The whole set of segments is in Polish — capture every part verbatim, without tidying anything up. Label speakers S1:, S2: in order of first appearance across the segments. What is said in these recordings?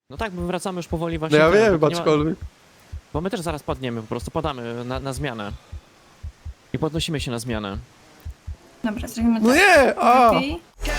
S1: No tak, bo wracamy już powoli
S2: No
S1: właśnie.
S2: ja
S1: ten,
S2: wiem,
S1: bo, nie ma,
S2: aczkolwiek.
S1: bo my też zaraz padniemy, po prostu padamy na, na zmianę. I podnosimy się na zmianę.
S3: Dobra, zrobimy
S2: No
S3: tak.
S2: nie! A!
S3: Lepiej.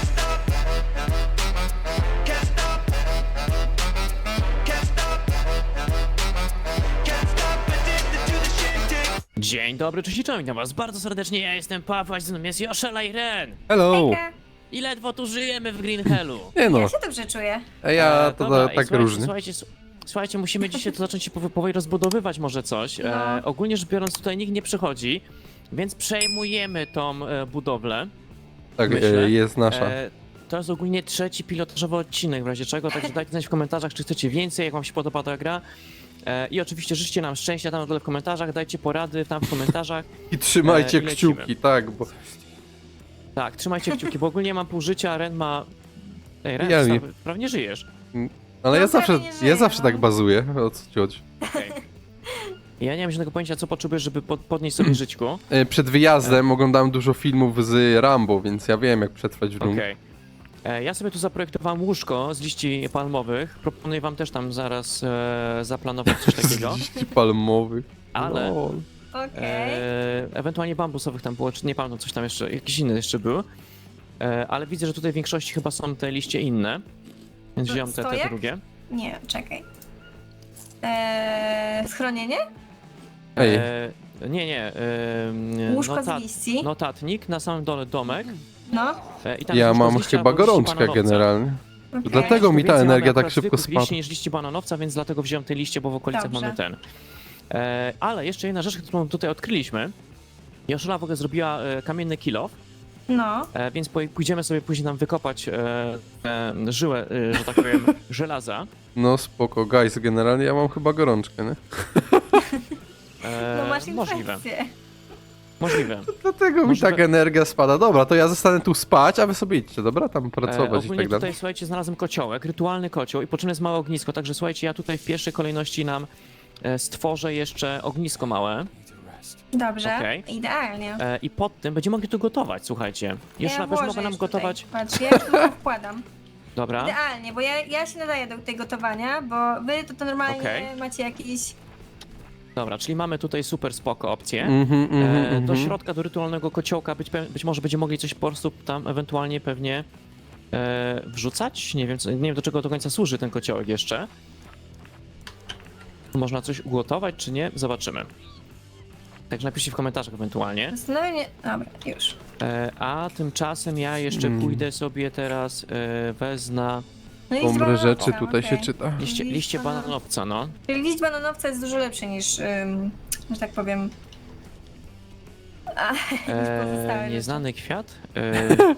S1: Dzień dobry, cześć i czołem, witam was bardzo serdecznie, ja jestem Paweł, a ze mną jest Joszela i Ren.
S2: Hello!
S3: Hejka.
S1: I ledwo tu żyjemy w Green Hellu.
S2: Nie no,
S3: Ja się dobrze czuję.
S2: a ja
S1: E,
S2: to
S1: dobra,
S2: da,
S1: i
S2: tak
S1: słuchajcie,
S2: różnie.
S1: Słuchajcie, s- słuchajcie, musimy dzisiaj to zacząć się powo- powoli rozbudowywać może coś. E,
S3: No.
S1: ogólnie rzecz biorąc tutaj nikt nie przychodzi, więc przejmujemy tą e, budowlę.
S2: Tak,
S1: myślę,
S2: e, jest nasza.
S1: E, to jest ogólnie trzeci pilotażowy odcinek w razie czego, także dajcie znać w komentarzach, czy chcecie więcej, jak wam się podoba ta gra. E, I oczywiście życzcie nam szczęścia tam na dole w komentarzach, dajcie porady tam w komentarzach.
S2: I trzymajcie
S1: e, i lecimy.
S2: kciuki, tak, bo
S1: Tak, trzymajcie kciuki, bo ogólnie mam pół życia, a Ren ma... Ej, Ren,
S2: Ja
S1: ja
S2: nie-
S1: prawnie żyjesz.
S2: ale ja
S3: No,
S2: zawsze,
S3: prawie nie żyję,
S2: ja zawsze
S3: no.
S2: tak bazuję, o co ci chodzi.
S1: Okej. Ja nie mam żadnego pojęcia, co potrzebujesz, żeby pod, podnieść sobie żyćku.
S2: E, Przed wyjazdem oglądałem dużo filmów z Rambo, więc ja wiem jak przetrwać w dżungli.
S1: Okej. E, Ja sobie tu zaprojektowałem łóżko z liści palmowych. Proponuję wam też tam zaraz e, zaplanować coś takiego.
S2: Z liści palmowych.
S1: Ale
S2: Lol.
S3: Okej.
S1: e, ewentualnie bambusowych tam było, czy nie pamiętam, coś tam jeszcze, jakiś inny jeszcze był. E, ale widzę, że tutaj w większości chyba są te liście inne. Więc
S3: To
S1: wziąłem te, te
S3: stojak?
S1: drugie.
S3: Nie, czekaj. Eee, schronienie?
S2: Ej,
S1: E, nie, nie. E,
S3: Łóżko
S1: notat-
S3: z liści?
S1: Notatnik, na samym dole domek.
S3: No.
S1: E, i tam
S2: ja
S1: jest łóżko
S2: mam
S1: z liści
S2: chyba
S1: albo liści
S2: gorączkę
S1: bananowca.
S2: generalnie.
S3: Okay.
S2: Dlatego mi ta
S1: Więcej
S2: energia
S1: mamy
S2: tak
S1: akurat
S2: szybko
S1: zwykłych
S2: spada.
S1: liści niż liści bananowca, więc dlatego wziąłem te liście, bo w okolicach
S3: Dobrze.
S1: mamy ten. E, ale jeszcze jedna rzecz, którą tutaj odkryliśmy. Joszela w ogóle zrobiła e, kamienny kilof,
S3: No.
S1: e, więc poj- pójdziemy sobie później nam wykopać e, e, żyłę, e, że tak powiem, żelaza.
S2: No spoko, guys, generalnie ja mam chyba gorączkę, nie?
S1: E,
S3: No masz
S1: możliwe,
S3: infekcję.
S1: możliwe.
S2: Dlatego mi
S1: Może
S2: tak
S1: we-
S2: energia spada. Dobra, to ja zostanę tu spać, a wy sobie idźcie, dobra? Tam
S1: E,
S2: pracować i
S1: ogólnie
S2: tak dalej.
S1: tutaj, słuchajcie, znalazłem kociołek, rytualny kocioł i po czym jest małe ognisko, także słuchajcie, ja tutaj w pierwszej kolejności nam e, stworzę jeszcze ognisko małe.
S3: Dobrze.
S1: Okej.
S3: Idealnie.
S1: E, I pod tym będziemy mogli tu gotować, słuchajcie. Jeszcze
S3: ja
S1: nawet
S3: włożę
S1: mogę nam
S3: już
S1: gotować.
S3: Tutaj. Patrz, ja już tu wkładam.
S1: Dobra.
S3: Idealnie, bo ja, ja się nadaję do tej gotowania, bo wy to, to normalnie
S1: Okej.
S3: macie jakiś...
S1: Dobra, czyli mamy tutaj super spoko opcję.
S2: Mhm, mhm,
S1: E, do
S2: mhm.
S1: środka, do rytualnego kociołka być, pe- być może będziemy mogli coś po prostu tam ewentualnie pewnie e, wrzucać. Nie wiem, co, nie wiem do czego do końca służy ten kociołek jeszcze. Można coś ugotować czy nie? Zobaczymy. Także napiszcie w komentarzach ewentualnie.
S3: Zastanawiam się... Dobra, już.
S1: E, a tymczasem ja jeszcze
S2: Mm.
S1: pójdę sobie teraz e, wezna
S3: No i
S2: Pomre
S3: bananowca,
S2: rzeczy tutaj
S3: okej.
S2: się czyta.
S1: liście,
S3: Liść
S1: liście
S3: banana-
S1: bananowca, no.
S3: Czyli liść bananowca jest dużo lepszy niż, ym, że tak powiem... A, niż pozostałe
S1: E,
S3: rzeczy.
S1: nieznany kwiat. E,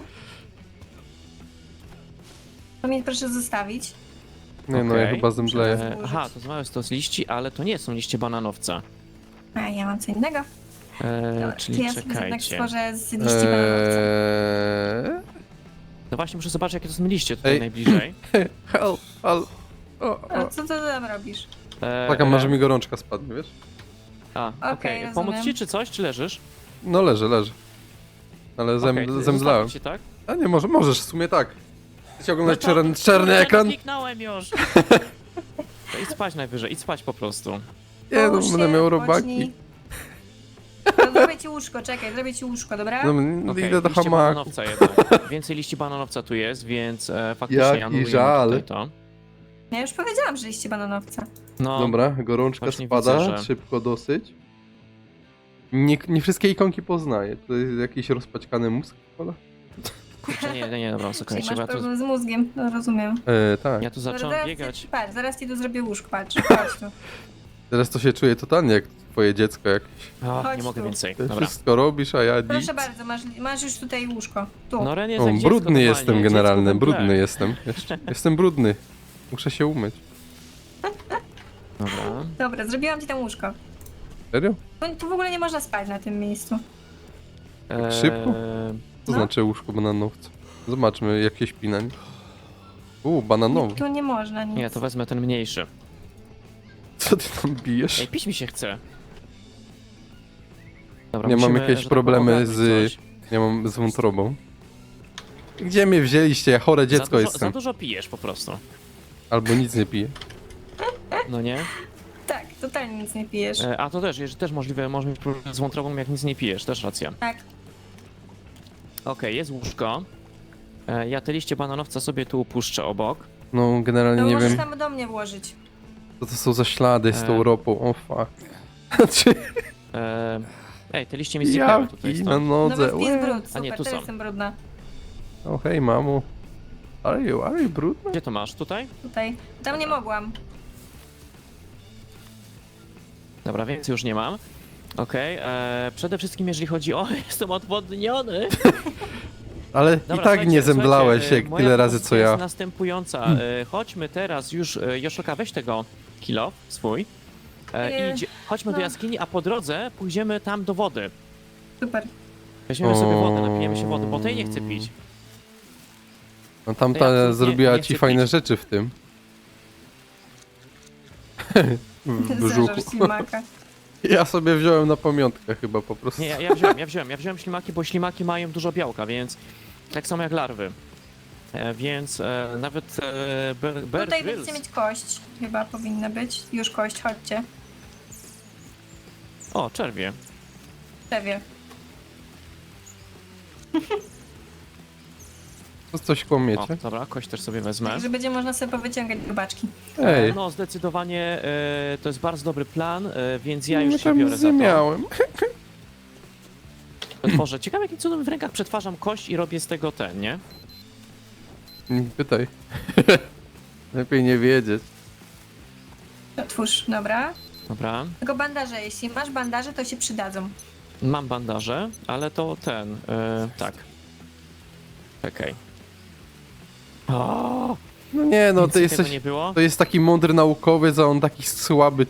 S3: To mnie proszę zostawić.
S2: Nie no, ja
S1: Okej.
S2: chyba zemdleję.
S1: e, aha, to małe to z liści, ale to nie są liście bananowca.
S3: A ja mam co innego.
S1: E,
S3: Dobra,
S1: czyli
S3: to ja sobie jednak
S1: czekajcie.
S3: stworzę z liści bananowca.
S2: Eee...
S1: No właśnie muszę zobaczyć jakie to są liście tutaj
S2: Ej.
S1: najbliżej.
S2: Help, help. O,
S3: A
S2: o.
S3: co ty tam robisz?
S1: E,
S2: Taka,
S1: e,
S2: może mi gorączka spadnie, wiesz?
S1: A, okej.
S3: Okej,
S1: Pomóc
S3: rozumiem.
S1: ci czy coś, czy leżysz?
S2: No leży, leży. Ale zem,
S1: Okej, to
S2: zemdlałem.
S1: zostawię ci, tak?
S2: A nie, może, możesz, w sumie tak. Chcecie oglądać
S1: No to-
S2: czerny, czarny
S1: Kurde,
S2: ekran?
S1: no kliknąłem już! To idź spać najwyżej, idź spać po prostu.
S2: Nie, no
S3: Połóż
S2: będę
S3: się,
S2: miał
S3: odpocznij.
S2: robaki.
S3: No, zrobię ci łóżko, czekaj, zrobię ci łóżko, dobra?
S2: No, no
S1: Okej,
S2: idę do
S1: liście
S2: hamaku.
S1: bananowca jednak. Więcej liści bananowca tu jest, więc e, faktycznie
S2: Jaki
S1: anulujemy
S2: żal.
S1: tutaj to.
S3: Ja już powiedziałam, że liście bananowca.
S1: No,
S2: Dobra, gorączka
S1: Właśnie
S2: spada,
S1: widzę, że-
S2: szybko dosyć. Nie, nie wszystkie ikonki poznaję. To jest jakiś rozpaćkany mózg? Ola?
S1: kurczę, nie, nie, nie, dobra,
S3: Czyli
S1: słuchajcie,
S3: masz
S1: bo ja tu,
S3: problem z mózgiem, no rozumiem.
S2: E, tak.
S1: ja tu
S3: Dobra,
S1: zacząłem
S3: zaraz
S1: biegać.
S3: Ci, patrz, zaraz ci tu zrobię łóżko, patrz, chodź tu.
S2: Teraz to się czuję totalnie jak twoje dziecko jakieś.
S1: O,
S3: Chodź
S1: nie mogę
S3: tu.
S1: więcej,
S2: Ty
S1: dobra.
S2: wszystko robisz, a ja nic.
S3: Proszę bardzo, masz, masz już tutaj łóżko. Tu.
S1: No Ren jest
S2: O,
S1: jak dziecko
S2: brudny
S1: normalnie,
S2: jestem
S1: dziecko
S2: generalnie,
S1: we mgle.
S2: brudny jestem. Jeszcze, jestem brudny. Muszę się umyć.
S1: Dobra.
S3: Dobra, zrobiłam ci tam łóżko.
S2: Serio?
S3: Tu, tu w ogóle nie można spać na tym miejscu.
S1: Eee,
S2: Szybko? To
S3: No.
S2: znaczy łóżko bananowca. Zobaczmy, jak się śpi na nim. Uuu, bananowy.
S3: Tu nie można nic.
S1: Nie, to wezmę ten mniejszy.
S2: Co ty tam bijesz?
S1: Ej, pić mi się chce. Dobra,
S2: Nie mam
S1: musimy,
S2: jakieś
S1: że tak
S2: problemy
S1: powiem,
S2: z-
S1: ogarnąć coś.
S2: Ja mam z wątrobą. Gdzie mnie wzięliście? Ja chore dziecko
S1: za dużo,
S2: jestem.
S1: Za dużo pijesz po prostu.
S2: Albo nic nie piję.
S1: No nie?
S3: Tak, totalnie nic nie pijesz.
S1: E, a to też, jest też możliwe, może mieć problem z wątrobą, jak nic nie pijesz, też racja.
S3: Tak.
S1: Okej, jest łóżko. E, ja te liście bananowca sobie tu upuszczę obok.
S2: No, generalnie
S3: No
S2: nie
S3: możesz
S2: wiem,
S3: tam do mnie włożyć.
S2: co to są za ślady z tą
S1: E.
S2: ropą. O fuck. Znaczy,
S1: E, ej, te liście mi znikają tutaj
S2: jaki na
S1: stąd.
S3: No
S2: nodze.
S3: bo wpis
S2: Łe.
S3: brud,
S1: A
S3: super,
S1: nie, tu
S3: to
S1: są.
S3: jestem brudna.
S2: O hej, mamo. Are you, are you brudna?
S1: Gdzie to masz? Tutaj?
S3: Tutaj. Tam nie mogłam.
S1: Dobra, więcej już nie mam. Okej, e, przede wszystkim jeżeli chodzi o... Jestem odwodniony!
S2: Ale
S1: Dobra,
S2: i tak
S1: słuchajcie,
S2: nie zemdlałeś
S1: słuchajcie,
S2: jak
S1: e, moja
S2: tyle razy co
S1: propozycja
S2: ja.
S1: jest następująca. E, chodźmy teraz już... E, Joszelka, weź tego kilo swój. E,
S3: Nie.
S1: i idzie, chodźmy do
S3: No.
S1: jaskini, a po drodze pójdziemy tam do wody.
S3: Super.
S1: Weźmiemy sobie wodę,
S2: O.
S1: napijemy się wody, bo tej nie chcę pić.
S2: No
S1: Ja
S2: tamta
S1: absolutnie
S2: zrobiła
S1: nie
S2: ci
S1: chcę
S2: fajne
S1: pić.
S2: rzeczy w tym. w brzuchu.
S3: Zeżarz ślimaka.
S2: Ja sobie wziąłem na pamiątkę chyba po prostu.
S1: Nie, ja, ja wziąłem, ja wziąłem, ja wziąłem ślimaki, bo ślimaki mają dużo białka, więc tak samo jak larwy. E, więc e, nawet e, Bear, Bear
S3: Tutaj
S1: Grylls-
S3: będziecie mieć kość. Chyba powinna być. Już kość, chodźcie.
S1: O, czerwie.
S3: Przewie.
S2: To coś
S1: O,
S2: kłamiecie?
S1: dobra, kość też sobie wezmę.
S3: Także będzie można sobie powyciągać grubaczki.
S2: Ej,
S1: No, zdecydowanie e, to jest bardzo dobry plan, e, więc ja już
S2: nie
S1: się
S2: tam
S1: biorę za to.
S2: miałem.
S1: Tworzę. Ciekawe, jakim cudem w rękach przetwarzam kość i robię z tego ten, nie?
S2: Nie pytaj. Lepiej nie wiedzieć.
S3: Otwórz, dobra.
S1: Dobra.
S3: Tylko bandaże, jeśli masz bandaże, to się przydadzą.
S1: Mam bandaże, ale to ten, e, tak. Czekaj. O,
S2: No nie, no
S1: nic
S2: to
S1: tego
S2: jesteś...
S1: nie było.
S2: To jest taki mądry naukowiec, a on taki słaby.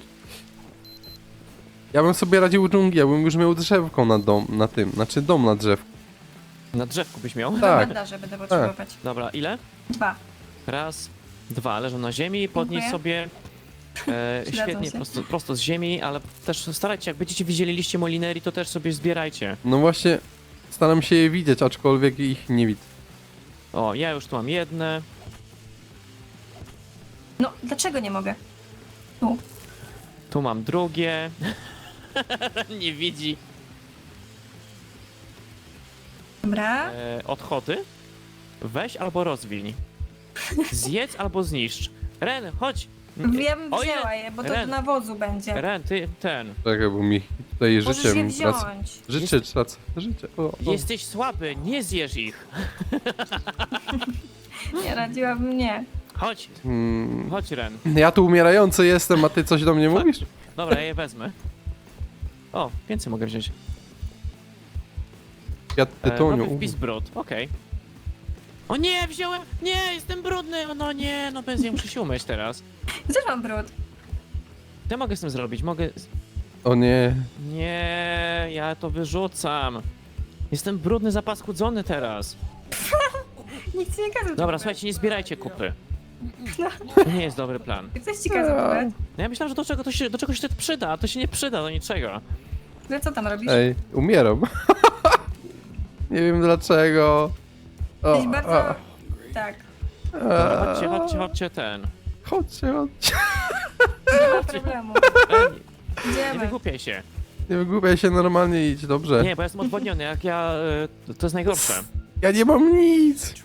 S2: Ja bym sobie radził u dżungli, ja bym już miał drzewko na dom, na tym, znaczy dom na drzewku.
S1: Na drzewku byś miał?
S3: Dwa
S2: Tak.
S3: bandaże będę potrzebować.
S1: Dobra, ile?
S3: Dwa.
S1: Raz, dwa, leżą na ziemi, podnieś
S3: Dziękuję.
S1: sobie. E,
S3: Przydadzą
S1: świetnie,
S3: się.
S1: prosto, prosto z ziemi, ale też starajcie, jak będziecie widzieli liście molinerii, to też sobie zbierajcie.
S2: No właśnie, staram się je widzieć, aczkolwiek ich nie widzę.
S1: O, ja już tu mam jedne.
S3: No, dlaczego nie mogę? Tu.
S1: Tu mam drugie. Nie widzi.
S3: Dobra.
S1: E, odchody. Weź albo rozwiń. Zjedz albo zniszcz. Ren, chodź.
S3: Ja bym
S1: O ile-
S3: wzięła je, bo to
S1: Ren.
S3: do nawozu będzie.
S1: Ren, ty ten.
S2: Czekaj, bo mi tutaj
S3: Możesz
S2: życie
S3: je
S2: mi tracę.
S3: wziąć.
S2: Życie tracę, życie. O, o.
S1: Jesteś słaby, nie zjesz ich.
S3: Nie radziłabym nie.
S1: Chodź,
S2: Hmm.
S1: chodź Ren.
S2: Ja tu umierający jestem, a ty coś do mnie mówisz?
S1: Dobra, ja je wezmę. O, więcej mogę wziąć.
S2: Ja
S1: E, nowy
S2: tytoniu.
S1: wpis brud, okej. O nie, wziąłem! Nie, jestem brudny! O, no nie, no bez muszę się umyć teraz.
S3: Też mam brud.
S1: Co ja mogę z tym zrobić? Mogę...
S2: O nie.
S1: Nie, ja to wyrzucam. Jestem brudny, zapaskudzony teraz.
S3: Nikt ci nie kazał.
S1: Dobra,
S3: tego
S1: słuchajcie, nie zbierajcie kupy. To nie jest dobry plan.
S3: brać. Ktoś ci kazał to brać.
S1: No ja myślałem, że do czego to się, do czegoś to przyda, a to się nie przyda do niczego.
S3: Ale co tam robisz?
S2: Ej, umieram. Nie wiem dlaczego. O,
S3: Jesteś bardzo...
S2: a,
S3: Tak.
S1: Dobra,
S2: a,
S1: chodźcie, chodźcie, chodźcie ten.
S2: Chodźcie, chodźcie.
S3: Nie ma problemu.
S1: Ej, nie
S3: Idziemy.
S1: wygłupiaj się.
S2: Nie wygłupiaj się, normalnie idź, dobrze.
S1: Nie, bo ja jestem odwodniony, jak ja... y, To jest najgorsze.
S2: Ja nie mam nic.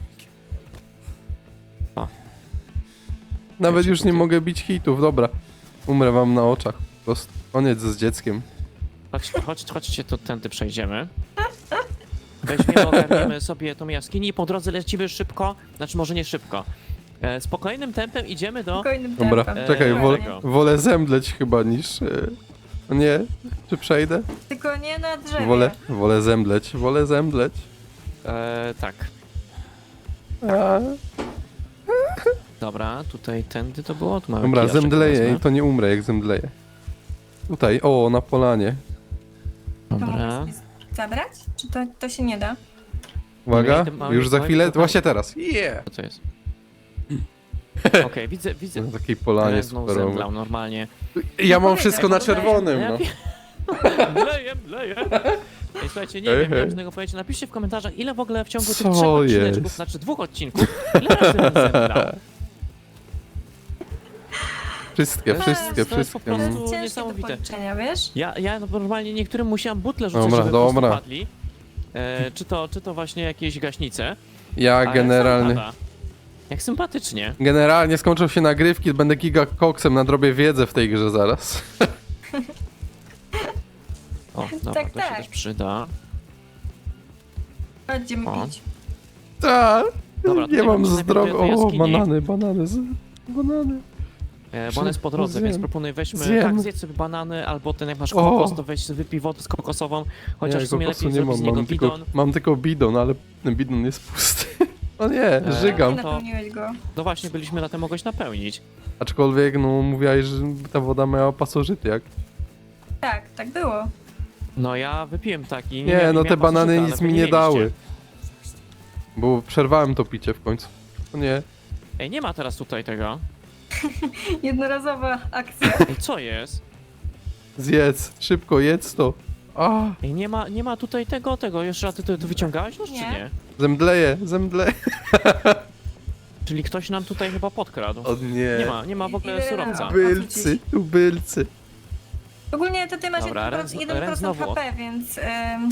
S1: O.
S2: Nawet
S1: Wiecie,
S2: już nie
S1: to-
S2: mogę bić hitów, dobra. Umrę wam na oczach. Po prostu koniec z dzieckiem.
S1: Chodźcie, chodź, chodźcie, to tędy przejdziemy. Weźmiemy, ogarniemy sobie tą jaskinię i po drodze lecimy szybko, znaczy może nie szybko. E, spokojnym tempem idziemy do...
S3: Spokojnym
S2: Dobra,
S3: tempem.
S2: czekaj,
S1: Eee,
S2: wolę,
S1: tego.
S2: wolę zemdleć chyba niż... y, Nie? Czy przejdę?
S3: Tylko nie na drzewie.
S2: Wolę, wolę zemdleć, wolę zemdleć.
S1: E, tak,
S2: A,
S1: dobra, tutaj tędy to było, tu mamy
S2: dobra,
S1: kijaczek,
S2: zemdleję
S1: wezmę.
S2: i to nie umrę jak zemdleję. Tutaj, o, na polanie.
S3: To
S1: Dobra.
S3: mogę sobie zabrać? Czy to, to się nie da?
S2: Uwaga,
S1: Nie, mały-
S2: już za
S1: mały-
S2: chwilę,
S1: mały-
S2: właśnie teraz. Yeah!
S1: Co to jest? Okej, widzę, widzę.
S2: Na takiej polanie
S1: Ren znowu
S2: superowej.
S1: zemdlał normalnie.
S2: Ja mam
S3: No
S2: wszystko na
S3: powiedział,
S2: czerwonym,
S1: Ja
S2: no.
S1: pie- Leję, leję. Ej, słuchajcie, nie
S2: Hej,
S1: wiem, nie
S2: hej.
S1: wiem z tego powiedzieć. Napiszcie w komentarzach, ile w ogóle w ciągu tych
S2: Co
S1: trzech odcineczków,
S2: jest?
S1: znaczy dwóch odcinków, ile razy Ren zemdlał.
S2: Wszystkie,
S1: To
S2: wszystkie,
S1: jest- to jest po
S2: wszystkie.
S3: To
S1: prostu-
S2: Mm.
S3: jest ciężkie do
S1: niesamowite.
S3: policzenia, wiesz?
S1: Ja, ja normalnie niektórym musiałam butle rzucać,
S2: Dobra,
S1: żeby po prostu
S2: dobra.
S1: padli. E, czy, to, czy to właśnie jakieś gaśnice.
S2: Ja
S1: A jak
S2: generalnie...
S1: sam pada. Jak sympatycznie.
S2: Generalnie skończą się nagrywki, będę giga koksem, nadrobię wiedzę w tej grze zaraz.
S1: O, dobra,
S3: Tak,
S1: to się
S3: tak.
S1: też przyda.
S3: Będziemy
S1: O.
S3: pić.
S2: Tak,
S1: Dobra,
S2: nie
S1: tutaj
S2: mam
S1: wrócimy
S2: zdrowia.
S1: najpierw do
S2: O,
S1: jaskini.
S2: banany, banany, z... banany.
S1: E, bo on jest po drodze,
S2: Zjem.
S1: więc proponuję weźmy,
S2: Zjem.
S1: tak, zjedz sobie banany, albo ten jak masz
S2: O.
S1: kokos, to weź wypij wodę z kokosową, chociaż
S2: Nie,
S1: w sumie
S2: kokosu
S1: lepiej
S2: nie
S1: zrobić z
S2: mam,
S1: niego
S2: mam tylko,
S1: bidon.
S2: mam tylko bidon, ale ten bidon jest pusty. O nie,
S1: Eee.
S2: żygam.
S3: Nie
S1: to-
S3: napełniłeś go.
S1: No właśnie, byliśmy na tym mogłeś napełnić.
S2: Aczkolwiek, no, mówiłaś, że ta woda miała pasożyty, jak?
S3: Tak, tak było.
S1: No ja wypiłem taki.
S2: Nie,
S1: miałem-
S2: no te
S1: miałem
S2: banany
S1: pasożyta,
S2: nic
S1: ale wy
S2: mi nie
S1: mieliście.
S2: dały. Bo przerwałem to picie w końcu. O nie.
S1: Ej, nie ma teraz tutaj tego.
S3: Jednorazowa akcja.
S1: Ej, co jest?
S2: Zjedz, szybko, jedz to. A,
S1: Ej, nie ma, nie ma tutaj tego, tego. Jeszcze a ty to, to wyciągałeś już, czy
S3: Nie.
S1: nie?
S2: zemdleję, zemdleję.
S1: Czyli ktoś nam tutaj chyba podkradł.
S2: O nie.
S1: Nie ma, nie ma w ogóle
S3: Ile
S1: surowca.
S3: razy?
S2: Tubylcy, tubylcy.
S3: Ogólnie to ty masz
S1: Dobra,
S3: jeden
S1: Ren-
S3: procent jeden
S1: Ren
S3: procent
S1: znowu.
S3: H P, więc... ym,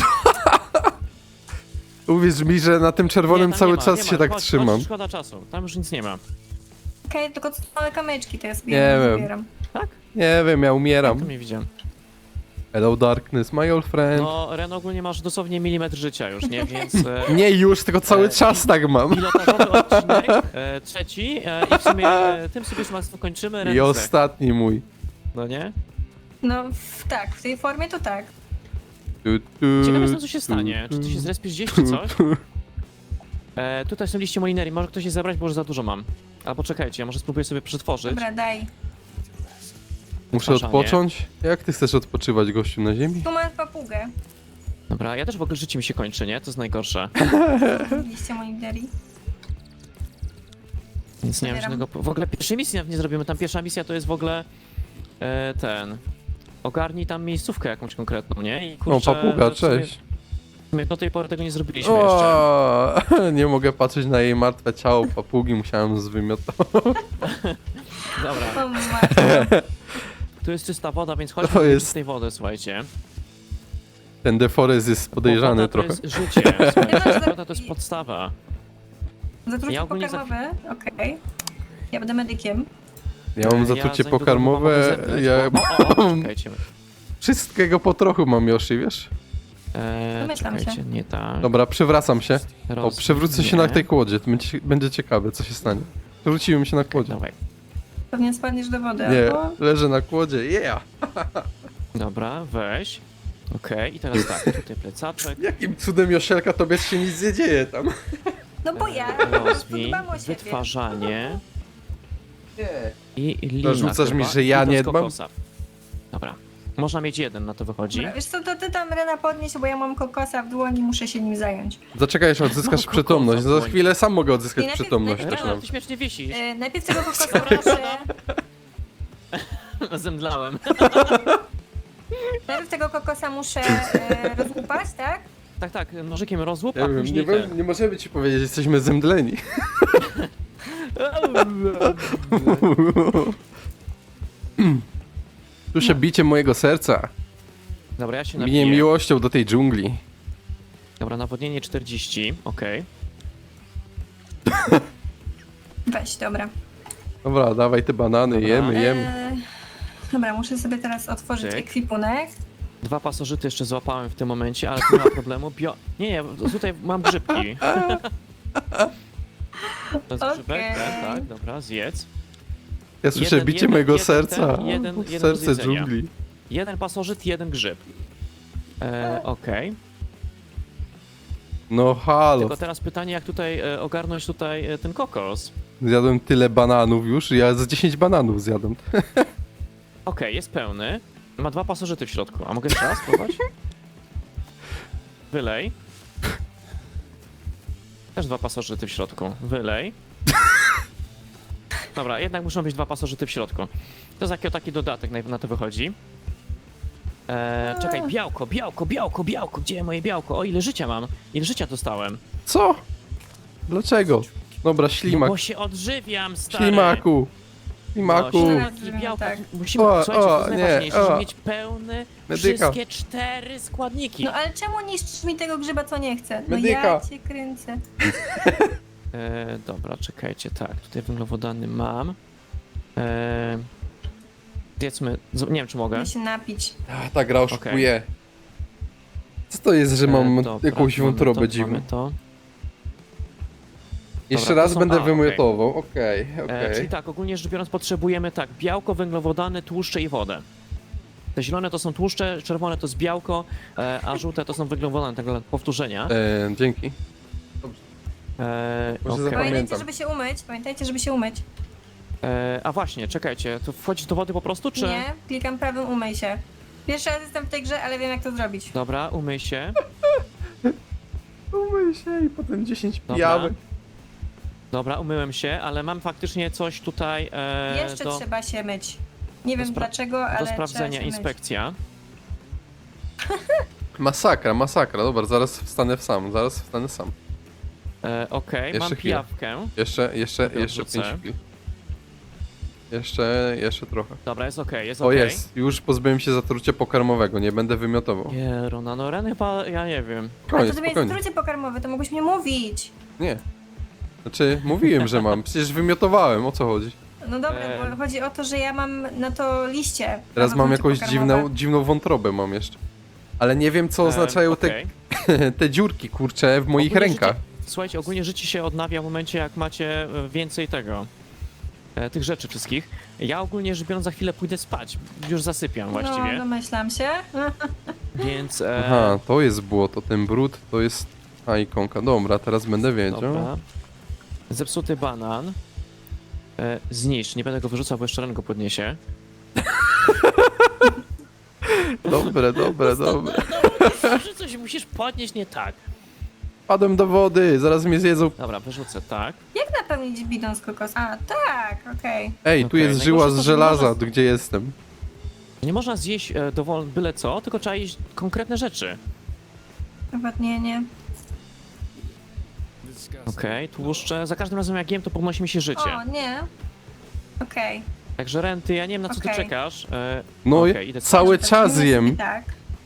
S2: Uwierz mi, że na tym czerwonym
S1: Nie, tam
S2: cały
S1: nie ma,
S2: czas
S1: nie
S2: się
S1: ma.
S2: tak
S1: Chodź,
S2: trzymam.
S1: Chodź, szkoda czasu, tam już nic nie ma.
S3: Okej, tylko co małe kamyczki to ja sobie
S2: Nie
S3: nie
S2: wiem.
S3: zbieram.
S1: Tak?
S2: Nie wiem, ja
S1: Ja
S2: umieram.
S1: to nie widziałem.
S2: Hello darkness, my old friend.
S1: No, Ren ogólnie masz dosłownie milimetr życia już, nie? Więc... E,
S2: Nie już, tylko cały
S1: E,
S2: czas tak mam.
S1: pilotażowy odcinek, e, trzeci e, i w sumie e, tym sobie już mocno kończymy. Ren
S2: I
S1: zdech.
S2: ostatni mój.
S1: No nie?
S3: No w, tak, w tej formie to tak.
S2: Tu, tu,
S1: Ciekawe jestem, co się
S2: tu,
S1: stanie. Czy ty się zrespisz gdzieś, czy coś? E, tutaj są liście molinerii, może ktoś je zabrać, bo już za dużo mam. Albo czekajcie, ja może spróbuję sobie przetworzyć.
S3: Dobra, daj.
S2: Muszę
S1: Przepraszanie.
S2: odpocząć? Jak ty chcesz odpoczywać, gościu, na ziemi?
S3: Tu masz papugę.
S1: Dobra, ja też w ogóle życie mi się kończy, nie? To jest najgorsze.
S3: Liście moniterii.
S1: Nic nie mam
S3: Zabieram.
S1: żadnego... W ogóle pierwszej misji nawet nie zrobimy. Tam pierwsza misja to jest w ogóle e, ten... Ogarnij tam miejscówkę jakąś konkretną, nie? I
S2: O,
S1: kurczę,
S2: papuga,
S1: w sumie-
S2: cześć.
S1: w sumie Do tej pory tego nie zrobiliśmy jeszcze.
S2: O, nie mogę patrzeć na jej martwe ciało papugi, musiałem zwymiotować.
S1: Dobra,
S3: O matko.
S1: tu jest czysta woda, więc chodźmy
S2: To
S1: do
S2: jest-
S1: czystej wody, słuchajcie.
S2: Ten deforest jest podejrzany
S1: Woda
S2: trochę.
S1: to jest życie, słuchajcie. Woda to jest podstawa.
S3: Zatrucie
S1: Ja ogólnie za-
S3: pokarmowe, okej. Ja będę medykiem.
S2: Ja mam
S1: E,
S2: zatrucie
S1: za niedługo
S2: pokarmowe,
S1: mogę zebrać,
S2: ja
S1: bo- O, o, o, czekajcie.
S2: wszystkiego po trochu mam, Yoshi, wiesz?
S1: E,
S3: Domyślam się.
S1: czekajcie, nie tak.
S2: Dobra, przewracam się. O,
S1: Roz-
S2: przewrócę się
S1: nie.
S2: na tej kłodzie, to będzie, będzie ciekawe, co się stanie. Przewróciłem się na kłodzie.
S1: Dawaj.
S3: Pewnie spadniesz do wody,
S2: Nie,
S3: albo...
S2: leżę na kłodzie, yeah!
S1: Dobra, weź. Okej, i teraz tak, tutaj plecaczek.
S2: Jakim cudem, Joszelka, tobie się nic nie dzieje tam?
S3: No bo ja po prostu
S1: Rozwij,
S3: dbam o siebie.
S1: wytwarzanie
S2: Nie.
S1: i lina
S2: Zarzucasz mi,
S1: chyba,
S2: że ja
S1: i to
S2: nie
S1: z
S2: dbam?
S1: kokosa. Dobra. Można mieć jeden, na to wychodzi.
S3: Dobra, wiesz co, to ty tam Rena podnieś, bo ja mam kokosa w dłoni, muszę się nim zająć.
S2: Zaczekaj, aż odzyskasz
S1: Mam
S2: przytomność.
S1: kokosa w
S2: Za chwilę sam mogę odzyskać
S3: I najpierw-
S2: przytomność
S3: najpierw-
S2: też
S1: Ren,
S2: mam.
S1: ty śmiesznie wisisz.
S3: Yy, najpierw tego kokosa muszę...
S1: Zemdlałem.
S3: Najpierw tego kokosa muszę yy, rozłupać, tak?
S1: Tak, tak, nożykiem rozłup,
S2: Ja
S1: a
S2: wiem, nie,
S1: później
S2: mo-
S1: ten.
S2: nie możemy ci powiedzieć, że jesteśmy zemdleni. Słyszę bicie mojego serca.
S1: Dobra, ja się
S2: Minie
S1: napiję.
S2: miłością do tej dżungli.
S1: Dobra, nawodnienie czterdzieści, okej.
S3: Weź, dobra.
S2: Dobra, dawaj te banany,
S1: Dobra.
S2: jemy, jemy.
S3: Yy, dobra, muszę sobie teraz otworzyć
S1: Cyk.
S3: ekwipunek.
S1: Dwa pasożyty jeszcze złapałem w tym momencie, ale tu nie ma problemu. Bio... Nie, nie, tutaj mam grzybki. To jest grzybek,
S3: Okej.
S1: tak, tak, dobra, zjedz.
S2: Ja słyszę
S1: jeden-
S2: bicie
S1: jeden-
S2: mojego
S1: jeden
S2: serca.
S1: ten, jeden- jeden do
S2: Serce
S1: zjedzenia.
S2: dżungli.
S1: Jeden pasożyt, jeden grzyb. E, okej.
S2: No halo,
S1: Tylko teraz pytanie, jak tutaj e, ogarnąć tutaj e, ten kokos.
S2: zjadłem tyle bananów już, ja z dziesięć bananów zjadłem.
S1: Okej, jest pełny. Ma dwa pasożyty w środku. A mogę jeszcze raz spróbować? Wylej. Też dwa pasożyty w środku. Wylej. Dobra, jednak muszą być dwa pasożyty w środku. To jest taki, taki dodatek, na, na to wychodzi. Eee, czekaj, białko, białko, białko, białko. Gdzie moje białko? O, ile życia mam? Ile życia dostałem?
S2: Co? Dlaczego? Dobra,
S1: No
S2: ślimak.
S1: bo się odżywiam, stary.
S2: Ślimaku. Ślimaku.
S1: No,
S3: Raz
S1: ślimaki,
S3: zrobimy
S1: białka.
S3: tak.
S1: Musimy,
S2: O,
S1: słuchajcie, to
S2: o,
S1: jest
S2: nie,
S1: najważniejsze,
S2: o.
S1: żeby mieć pełne
S2: Medyka.
S1: wszystkie cztery składniki.
S3: No ale czemu niszczysz mi tego grzyba, co nie chcę? No
S2: Medyka.
S3: ja cię kręcę.
S1: E, dobra, czekajcie, tak, tutaj węglowodany mam. E, Zjedzmy, z- nie wiem czy mogę.
S3: Muszę się napić.
S2: A, ta gra oszukuje. Co to jest, że mam
S1: E, dobra,
S2: jakąś
S1: mamy
S2: wątrobę
S1: to,
S2: dziwną?
S1: mamy to.
S2: Jeszcze
S1: Dobra, to
S2: raz
S1: są-
S2: będę
S1: a, okej.
S2: wymiotował, okej,
S1: E,
S2: okej.
S1: czyli tak, ogólnie rzecz biorąc potrzebujemy tak, białko, węglowodany, tłuszcze i wodę. Te zielone to są tłuszcze, czerwone to jest białko, e, a żółte to są węglowodany, tak dla powtórzenia.
S2: E, dzięki.
S1: E,
S2: Może
S1: okej.
S2: zapamię-
S3: Pamiętajcie,
S2: Pamiętam.
S3: żeby się umyć. Pamiętajcie, żeby się umyć.
S1: e, a właśnie, czekajcie, to wchodzisz do wody po prostu, czy?
S3: Nie, klikam prawym umyj się. Pierwszy raz jestem w tej grze, ale wiem jak to zrobić.
S1: Dobra, umyj się.
S2: Umyj się i potem dziesięć
S1: Dobra.
S2: pijawy.
S1: Dobra, umyłem się, ale mam faktycznie coś tutaj e,
S3: Jeszcze
S1: do,
S3: trzeba się myć. Nie
S1: do
S3: wiem
S1: spra-
S3: dlaczego, ale
S1: do
S3: trzeba
S1: sprawdzenia,
S3: się myć.
S1: inspekcja.
S2: Masakra, masakra, dobra, zaraz wstanę sam, zaraz wstanę sam.
S1: E, Okej,
S2: Jeszcze
S1: mam
S2: chwilę.
S1: pijawkę.
S2: Jeszcze, jeszcze,
S1: Dobra,
S2: jeszcze
S1: wrzucę.
S2: pięć chwil. Jeszcze, jeszcze trochę.
S1: Dobra, jest okej, jest
S2: O
S1: okej.
S2: jest, już pozbyłem się zatrucia pokarmowego, nie będę wymiotował.
S1: Nie, Rona, no Ren chyba, ja nie wiem.
S3: A to
S2: Spokojnie,
S3: tobie jest
S2: spokojnie.
S3: trucie pokarmowe, to mogłeś mi mówić.
S2: Nie. Znaczy, mówiłem, że mam, przecież wymiotowałem, o co chodzi?
S3: No dobra,
S1: E.
S3: bo chodzi o to, że ja mam na to liście.
S2: Teraz
S3: na to
S2: mam
S3: trucie
S2: jakąś
S3: pokarmowe.
S2: dziwną, dziwną wątrobę mam jeszcze. Ale nie wiem, co
S1: E,
S2: oznaczają
S1: okej.
S2: te, te dziurki, kurcze, w moich
S1: Ogólnie
S2: rękach.
S1: Życie, słuchajcie, ogólnie życie się odnawia w momencie, jak macie e, więcej tego, e, tych rzeczy wszystkich. Ja ogólnie rzecz biorąc za chwilę pójdę spać, już zasypiam
S3: No,
S1: właściwie,
S3: domyślam się.
S1: więc... E,
S2: Aha, to jest błoto, ten brud to jest... A, ikonka, dobra, teraz będę wiedział.
S1: dobra. Zepsuty banan. E, zniszcz, nie będę go wyrzucał, bo jeszcze Ren go podniesie.
S2: Dobre, dobre, dobre.
S1: Zawsze coś musisz podnieść nie tak.
S2: Padłem do wody, zaraz mnie zjedzą.
S1: Dobra, wyrzucę tak.
S3: Jak napełnić bidon z kokos? A, tak, okej.
S2: Ej, tu
S1: Okej,
S2: jest żyła
S1: najgorsze
S2: z
S1: to, że
S2: żelaza,
S1: można-
S2: gdzie jestem.
S1: Nie można zjeść e, dowol byle co, tylko trzeba jeść konkretne rzeczy.
S3: Nawodnienie.
S1: Okej, tłuszcze. Za każdym razem jak jem, to podnosi mi się życie.
S3: O, nie. Okej.
S1: Także Renty, ja nie wiem na co ty
S3: Okej.
S1: czekasz. E,
S2: No,
S1: okej, idę
S2: cały
S3: Tak,
S2: czas
S3: nie
S2: jem.
S3: Tak.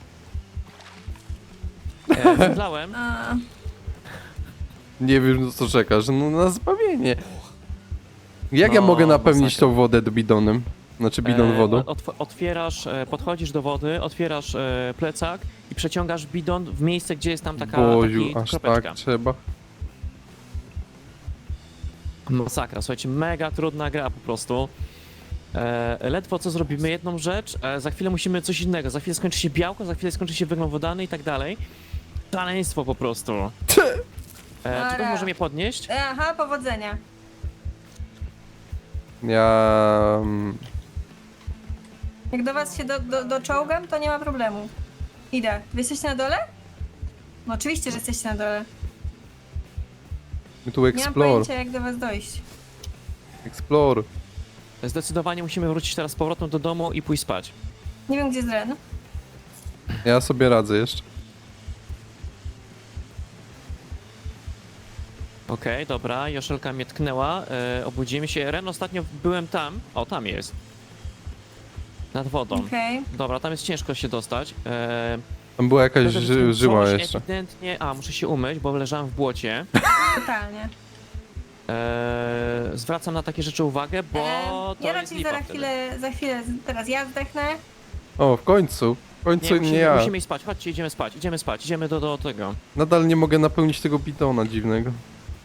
S1: E, zemdlałem.
S3: A,
S2: Nie wiem, na co czekasz, no na zbawienie. Jak ja
S1: No,
S2: mogę napełnić
S1: masakra.
S2: tą wodę do bidonem? Znaczy bidon
S1: E,
S2: wodą?
S1: otw- otwierasz, e, podchodzisz do wody, otwierasz e, plecak i przeciągasz bidon w miejsce, gdzie jest tam taka
S2: Boziu,
S1: taki
S2: aż
S1: kropeczka.
S2: tak trzeba.
S1: Masakra, słuchajcie, mega trudna gra po prostu. E, ledwo co zrobimy jedną rzecz, e, za chwilę musimy coś innego, za chwilę skończy się białko, za chwilę skończy się węglowodany i tak dalej. Szaleństwo po prostu. E, czy ktoś
S3: Dobra.
S1: może mnie podnieść?
S3: e, aha, powodzenia.
S2: Ja... mm,
S3: Jak do was się do, do, doczołgam, to nie ma problemu. Idę. Wy jesteście na dole? No oczywiście, że jesteście na dole.
S2: My tu
S3: Nie mam
S2: explore,
S3: pojęcia, jak do was dojść.
S2: explore.
S1: Zdecydowanie musimy wrócić teraz z powrotem do domu i pójść spać.
S3: Nie wiem, gdzie jest Ren.
S2: Ja sobie radzę jeszcze.
S1: Okej, dobra, Joszelka mnie tknęła, e, obudzimy się. Ren, ostatnio byłem tam, o tam jest. Nad wodą.
S3: Okej.
S1: Dobra, tam jest ciężko się dostać. E,
S2: Tam była jakaś
S1: wtedy
S2: ży
S1: coś
S2: żyła jeszcze.
S1: Ewidentnie, a muszę się umyć, bo leżałem w błocie.
S3: Totalnie.
S1: E, zwracam na takie rzeczy uwagę, bo
S3: E,
S1: to
S3: ja
S1: jest
S3: raczej
S1: lipa
S3: za
S1: wtedy.
S3: chwilę, za chwilę, teraz ja zdechnę.
S2: O, w końcu. W końcu
S1: Nie,
S2: nie,
S1: musimy,
S2: ja.
S1: musimy iść spać, chodźcie, idziemy spać, idziemy spać, idziemy do, do tego.
S2: Nadal nie mogę napełnić tego bidona dziwnego.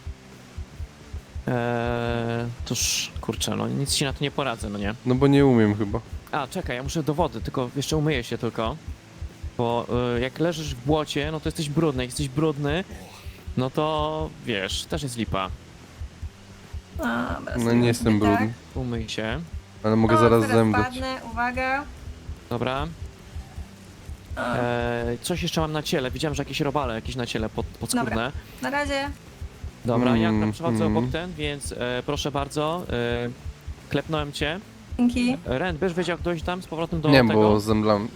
S1: Eee, toż, kurczę, no nic ci na to nie poradzę, no nie?
S2: No bo nie umiem chyba.
S1: A, czekaj, ja muszę do wody, tylko jeszcze umyję się tylko. Bo y, jak leżysz w błocie, no to jesteś brudny, jak jesteś brudny, no to wiesz, też jest lipa.
S3: A, dobra,
S2: No
S3: sobie
S2: nie jestem
S3: tak.
S2: brudny.
S1: Umyj się,
S2: Ale mogę
S3: O,
S2: zaraz
S3: teraz
S2: zemdleć.
S3: padnę, uwaga.
S1: dobra.
S3: O,
S1: Eee, coś jeszcze mam na ciele, widziałem, że jakieś robale jakieś na ciele pod, podskórne.
S3: na razie.
S1: Dobra, ja
S2: Mm,
S1: tam przechodzę
S2: mm.
S1: obok ten, więc e, proszę bardzo, e, klepnąłem cię.
S3: Dzięki.
S1: Ren, będziesz wiedział jak dojść tam z powrotem do
S2: Nie,
S1: tego?
S2: bo zemdlam.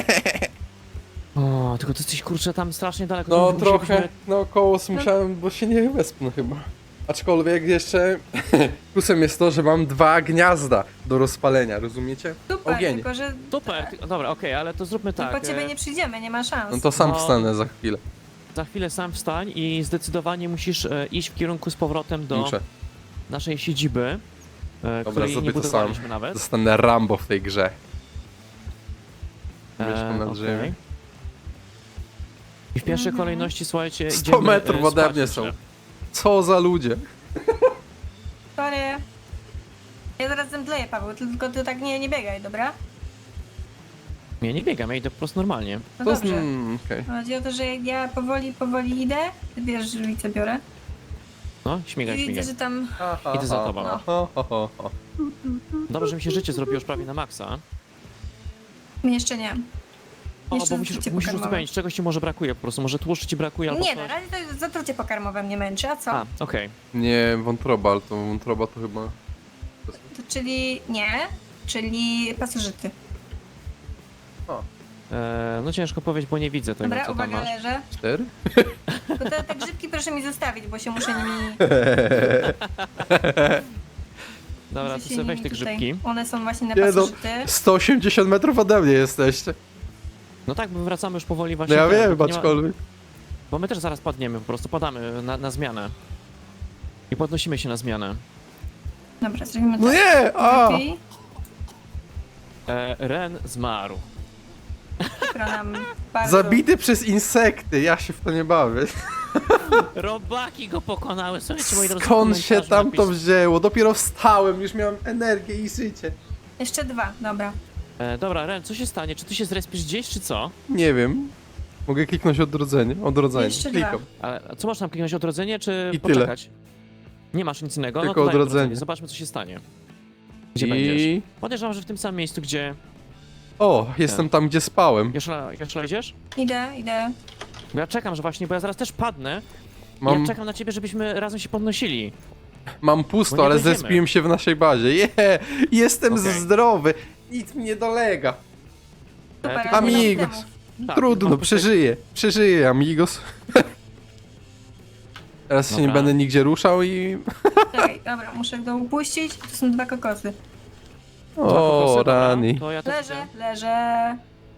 S1: O, tylko ty jesteś kurczę tam strasznie daleko.
S2: No
S1: to
S2: trochę,
S1: musielibyśmy-
S2: no koło musiałem, bo się nie wespnę chyba. Aczkolwiek jeszcze plusem jest to, że mam dwa gniazda do rozpalenia, rozumiecie?
S3: Super,
S2: Ogień.
S3: tylko że
S1: Super, ty- dobra, okej, ale to zróbmy
S3: tak,
S1: tak.
S3: po ciebie
S1: e,
S3: nie przyjdziemy, nie ma szans.
S2: No to sam
S1: No.
S2: wstanę za chwilę.
S1: Za chwilę sam wstań i zdecydowanie musisz e, iść w kierunku z powrotem do
S2: Muszę.
S1: naszej siedziby, e,
S2: Dobra,
S1: której nie
S2: zrobię to sam.
S1: budowaliśmy nawet.
S2: Zostanę Rambo w tej grze. Mieszkam na
S1: okej.
S2: drzewie.
S1: I w pierwszej
S3: Mhm.
S1: kolejności, słuchajcie,
S2: sto
S1: idziemy,
S2: metrów
S1: e,
S2: ode
S1: spać
S2: mnie
S1: jeszcze.
S2: są. Co za ludzie.
S3: Sorry. Ja zaraz zemdleję, Paweł, tylko ty tak nie, nie biegaj, dobra?
S1: Ja nie biegam, ja idę po prostu normalnie.
S3: No
S2: To z...
S3: dobrze.
S2: mm, okej.
S3: Chodzi o to, że ja powoli, powoli idę, ty bierz żywicę biorę
S1: No, śmigaj,
S3: i widzę,
S1: śmigaj.
S3: że tam...
S2: Ha, ha,
S1: Idę za
S2: ha,
S1: tobą.
S2: ha, ha, ha, ha.
S1: Dobrze, że mi się życie zrobiło już prawie na maksa.
S3: Jeszcze nie.
S1: O,
S3: Jeszcze
S1: bo musisz,
S3: zatrucie
S1: musisz
S3: pokarmowe.
S1: uzupełnić, czegoś ci może brakuje po prostu, może tłuszczu ci brakuje albo
S3: Nie,
S1: coś.
S3: na razie to zatrucie pokarmowe mnie męczy, a co?
S1: A, okej.
S2: Nie, wątroba, ale to wątroba to chyba...
S3: To, czyli nie, czyli pasożyty.
S2: O,
S1: E, No ciężko powiedzieć, bo nie widzę tego,
S3: Dobra,
S1: co tam
S3: uwaga,
S1: masz.
S3: leżę.
S2: cztery?
S3: To te, te grzybki proszę mi zostawić, bo się muszę nimi...
S1: Dobra,
S3: muszę
S1: to
S3: się
S1: sobie weź
S3: nimi
S1: te
S3: tutaj-
S1: grzybki.
S3: One są właśnie na
S2: Nie no,
S3: pasożyty.
S2: sto osiemdziesiąt metrów ode mnie jesteście.
S1: No tak, my wracamy już powoli
S2: No
S1: właśnie.
S2: ja
S1: ten,
S2: wiem,
S1: bo nie ma-
S2: aczkolwiek.
S1: Bo my też zaraz padniemy, po prostu padamy na, na zmianę. I podnosimy się na zmianę.
S3: Dobra, zrobimy
S2: No
S3: tak.
S2: nie! A!
S3: Lepiej.
S1: E, Ren zmarł.
S3: Przykro nam bardzo.
S2: Zabity przez insekty, ja się w to nie bawię.
S1: Robaki go pokonały, słuchajcie moi drodzy. w
S2: Skąd się
S1: komentarzu
S2: tam to
S1: napis-
S2: wzięło? Dopiero wstałem, już miałem energię i życie.
S3: Jeszcze dwa, dobra.
S1: E, dobra, Ren, co się stanie? Czy ty się zrespisz gdzieś, czy co?
S2: Nie wiem. Mogę kliknąć odrodzenie? Odrodzenie.
S3: Jeszcze
S2: Klikam.
S3: dwa.
S1: Ale co masz tam kliknąć, odrodzenie, czy
S2: I tyle.
S1: poczekać? Nie masz nic innego?
S2: Tylko
S1: no to daj
S2: odrodzenie.
S1: Zobaczmy, co się stanie. Gdzie będziesz?
S2: I...
S1: Podejrzewam, że w tym samym miejscu, gdzie...
S2: O, jestem tam, gdzie spałem.
S1: Joszla, Joszla idziesz?
S3: Idę, idę.
S1: Bo ja czekam, że właśnie, bo ja zaraz też padnę.
S2: Mam,
S1: Ja czekam na ciebie, żebyśmy razem się podnosili.
S2: mam
S1: Bo
S2: pusto,
S1: nie
S2: ale
S1: dojdziemy.
S2: zespiłem się w naszej bazie. Je, jestem
S1: Okej.
S2: zdrowy. Nic mi nie dolega.
S3: Super,
S1: tylko
S3: ale nie mam
S2: Amigos.
S3: temu.
S1: Tak,
S2: Trudno,
S1: mam
S2: przeżyję. Przeżyję, amigos. Teraz się nie
S1: Dobra.
S2: będę nigdzie ruszał i...
S3: Czekaj, dobra, muszę go upuścić. To są dwa kokosy.
S1: Dwa
S2: O,
S1: kokosy, dobra.
S2: rani.
S1: To ja też
S3: Leżę,
S1: idę.
S3: leżę.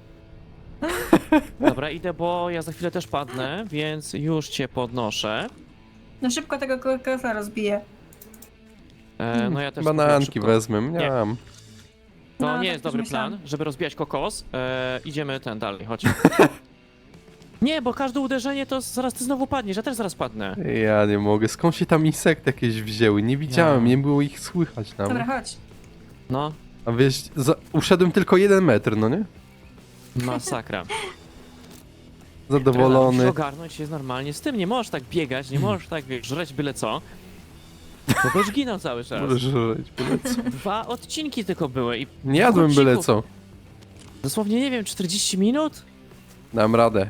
S1: Dobra, idę, bo ja za chwilę też padnę, więc już cię podnoszę.
S3: No szybko tego kokosa rozbiję.
S1: E, no ja też
S2: Bananki
S1: szybko.
S2: wezmę,
S1: Nie.
S2: miałam.
S1: To
S3: No,
S1: nie
S3: tak
S1: jest
S3: też
S1: dobry
S3: myślałam.
S1: plan, żeby rozbijać kokos. E, idziemy ten dalej, chodź. Nie, bo każde uderzenie to zaraz ty znowu padniesz, ja też zaraz padnę.
S2: Ja nie mogę. Skąd się tam insekty jakieś wzięły? Nie widziałem,
S1: Ja.
S2: nie było ich słychać
S3: Dobra,
S2: nawet.
S3: chodź.
S1: No,
S2: A wiesz, za... uszedłem tylko jeden metr, no nie?
S1: masakra. Musisz
S2: Zadowolony.
S1: ogarnąć się normalnie z tym, nie możesz tak biegać, nie możesz tak wiesz, żreć byle co. Bo będziesz ginął cały czas.
S2: Możesz żyć, byle co.
S1: Dwa odcinki tylko były i
S2: Nie jadłem
S1: dwóch
S2: byle
S1: odcinków.
S2: co.
S1: Dosłownie, nie wiem, czterdzieści minut?
S2: Dam radę.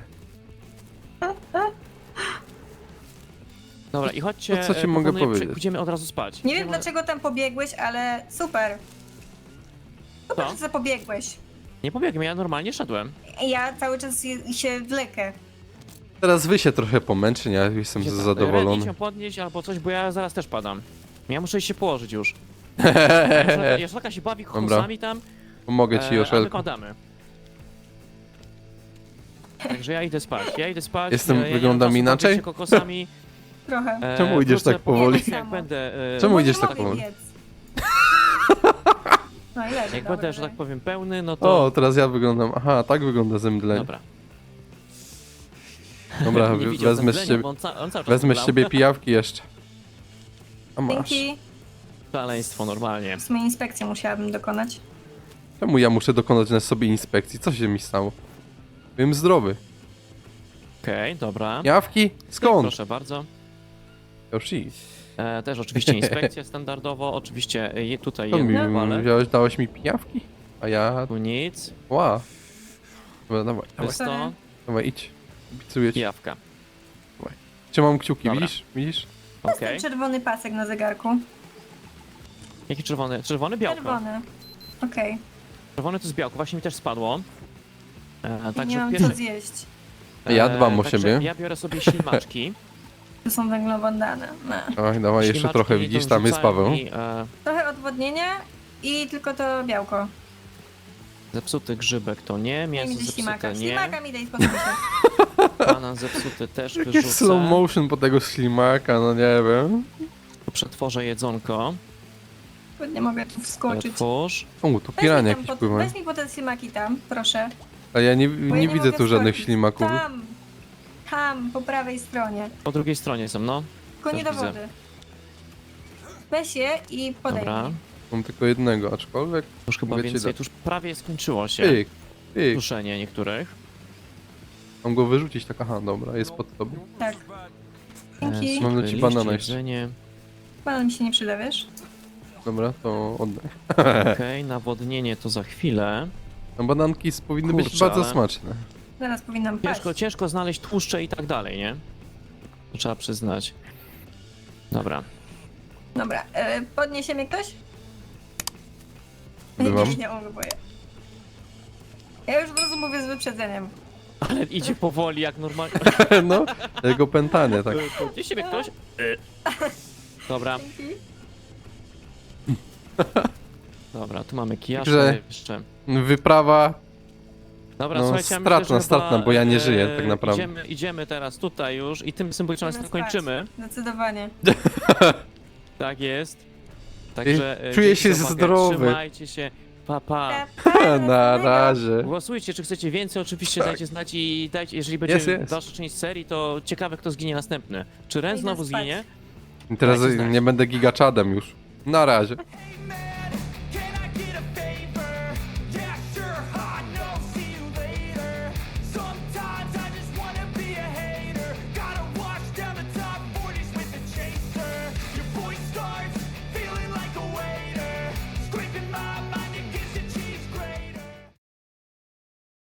S1: Dobra, i chodźcie,
S2: To co ci
S1: e,
S2: mogę
S1: proponuję,
S2: powiedzieć?
S1: przy- Pójdziemy od razu spać.
S3: Nie wiem
S1: Pójdziemy-
S3: dlaczego tam pobiegłeś, ale super. Super,
S1: Co?
S3: że pobiegłeś.
S1: Nie pobiegłem, ja normalnie szedłem.
S3: Ja cały czas je- się wlekę.
S2: Teraz wy się trochę pomęczy, ja jestem
S1: Gdzie tam? Ren,
S2: zadowolony.
S1: idź ją podnieść albo coś, bo ja zaraz też padam. Ja muszę iść się położyć już. Jaszlaka się bawi
S2: Dobra.
S1: kokosami tam,
S2: Pomogę ci,
S1: e, a my
S2: Joszelko.
S1: padamy. Także ja idę spać, ja idę spać.
S2: Jestem-
S1: e, ja nie mam
S2: wyglądam
S1: czasu
S2: inaczej?
S1: bawić się kokosami.
S3: Trochę.
S1: E,
S2: Czemu idziesz
S1: wrócę
S2: tak
S1: po
S2: powoli?
S1: prostu, Jak będę, e,
S2: Czemu
S3: Bo
S2: idziesz
S3: nie
S2: tak
S3: mogę
S2: powoli?
S3: biec. No i leży,
S1: Jak
S3: dobra,
S1: będę, że tak
S3: dobra.
S1: powiem, pełny, no to...
S2: O, teraz ja wyglądam. Aha, tak wygląda zemdlenie.
S1: Dobra.
S2: Dobra,
S1: Nie widział
S2: wezmę z
S1: zemdlenia,
S2: ciebie,
S1: bo on, ca on cały czas
S2: wezmę z
S1: zemdlał.
S2: ciebie pijawki jeszcze. A masz.
S3: Dzięki.
S1: Szaleństwo normalnie.
S3: W sumie inspekcję musiałabym dokonać.
S2: Czemu ja muszę dokonać na sobie inspekcji? Co się mi stało? Byłem zdrowy.
S1: Okej, dobra.
S2: Pijawki? Skąd?
S1: Proszę bardzo.
S2: Już idź.
S1: E, też oczywiście inspekcja standardowo, oczywiście e, je- tutaj
S2: To mi
S1: jedno, ale
S2: wziąłeś, dałeś mi pijawki? A ja...
S1: tu nic.
S2: Ła. Dobra, dawaj,
S1: To
S2: dawaj,
S1: jest to
S3: Sorry.
S2: dawaj, idź. Obiecuję ci.
S1: jawka.
S2: Trzymam kciuki,
S1: Dobra.
S2: widzisz? Widzisz?
S3: To jest
S1: Okej.
S3: ten czerwony pasek na zegarku.
S1: Jaki czerwony? Czerwony białko.
S3: Czerwony. Okej.
S1: Czerwony to jest białko, właśnie mi też spadło. E,
S3: Nie
S1: także
S3: mam
S1: pierwsze,
S3: co zjeść.
S2: Ja dbam o
S1: także
S2: siebie.
S1: Ja biorę sobie ślimaczki.
S3: Tu są węglowodany. No.
S2: Oj, dawaj jeszcze
S1: Ślimaczki
S2: trochę,
S1: to
S2: widzisz, tam jest
S1: wrzucają
S2: Paweł.
S1: mi, e,
S3: Trochę odwodnienia i tylko to białko.
S1: zepsuty grzybek to nie,
S3: Nie
S1: mięso
S3: widzę
S1: zepsute
S3: ślimaka.
S1: nie,
S3: Ślimaka mi daj spokój się.
S1: banan zepsuty też
S2: Jakie slow
S1: wyrzucę.
S2: motion po tego ślimaka, no nie wiem.
S1: Tu przetworzę jedzonko.
S3: Nie mogę tu wskoczyć.
S1: Otwórz.
S2: O, tu
S3: Weź
S2: pirania
S3: mi, tam
S2: jakieś
S3: pod,
S2: pływają.
S3: weź mi po te ślimaki tam, proszę.
S2: A ja nie,
S3: Bo
S2: nie
S3: ja
S2: widzę
S3: mogę
S2: tu żadnych
S3: wskoczyć.
S2: ślimaków.
S3: Tam, tam, po prawej stronie.
S1: Po drugiej stronie są, no.
S3: Tylko nie do
S1: Też widzę.
S3: wody. Weź je i podaj
S1: Dobra.
S3: mi.
S2: Mam tylko jednego, aczkolwiek...
S1: Już chyba
S2: Mogę ci
S1: więcej,
S2: dać.
S1: tu już prawie skończyło się.
S2: Pyk, pyk.
S1: Duszenie niektórych.
S2: Mam go wyrzucić, tak, aha, dobra, jest pod tobą.
S3: Tak. Dzięki.
S1: E,
S2: Mam dla
S1: suchy
S2: ci
S1: liść,
S2: banana jeszcze.
S1: jedzenie.
S3: Banan mi się nie przyda, wiesz?
S2: Dobra, to oddaj.
S1: Okej, nawodnienie to za chwilę.
S2: No, bananki s- powinny być
S1: Kurczę,
S2: bardzo
S1: ale-
S2: smaczne.
S3: Zaraz powinnam paść.
S1: Ciężko, ciężko znaleźć tłuszcze i tak dalej, nie? To trzeba przyznać. Dobra.
S3: Dobra, e, podniesie mnie ktoś?
S2: Bywam.
S3: Nie, nie mogę, boję. Ja już od razu mówię z wyprzedzeniem.
S1: Ale idzie powoli jak normalnie.
S2: No, jego pętanie, tak.
S1: Gdzie siebie ktoś? Dobra,
S3: Dzięki.
S1: dobra, tu mamy kijasze
S2: Także-
S1: jeszcze.
S2: Wyprawa,
S1: Dobra,
S2: no,
S1: słuchajcie, ja
S2: stratna,
S1: myślę, że
S2: stratna,
S1: chyba,
S2: bo ja nie
S1: e,
S2: żyję tak naprawdę.
S1: Idziemy, idziemy teraz tutaj już i tym symbolicznym
S3: Idziemy
S1: akcentem
S3: spać.
S1: kończymy.
S3: Zdecydowanie.
S1: Tak jest. Także e,
S2: Czuję
S1: dzięki
S2: się
S1: za uwagę,
S2: zdrowy.
S1: Trzymajcie się. Pa, pa.
S3: Pa, pa,
S2: Na
S3: następnego.
S2: razie.
S1: Głosujcie, czy chcecie więcej, oczywiście
S2: Tak.
S1: dajcie znać i dajcie, jeżeli będzie
S2: Jest, jest.
S1: dalsza część serii, to ciekawe kto zginie następny. Czy Ren
S3: Idę
S1: znowu
S3: spać.
S1: zginie?
S2: I teraz
S1: Dajcie znać.
S2: nie będę gigaczadem już. Na razie.
S4: Amen.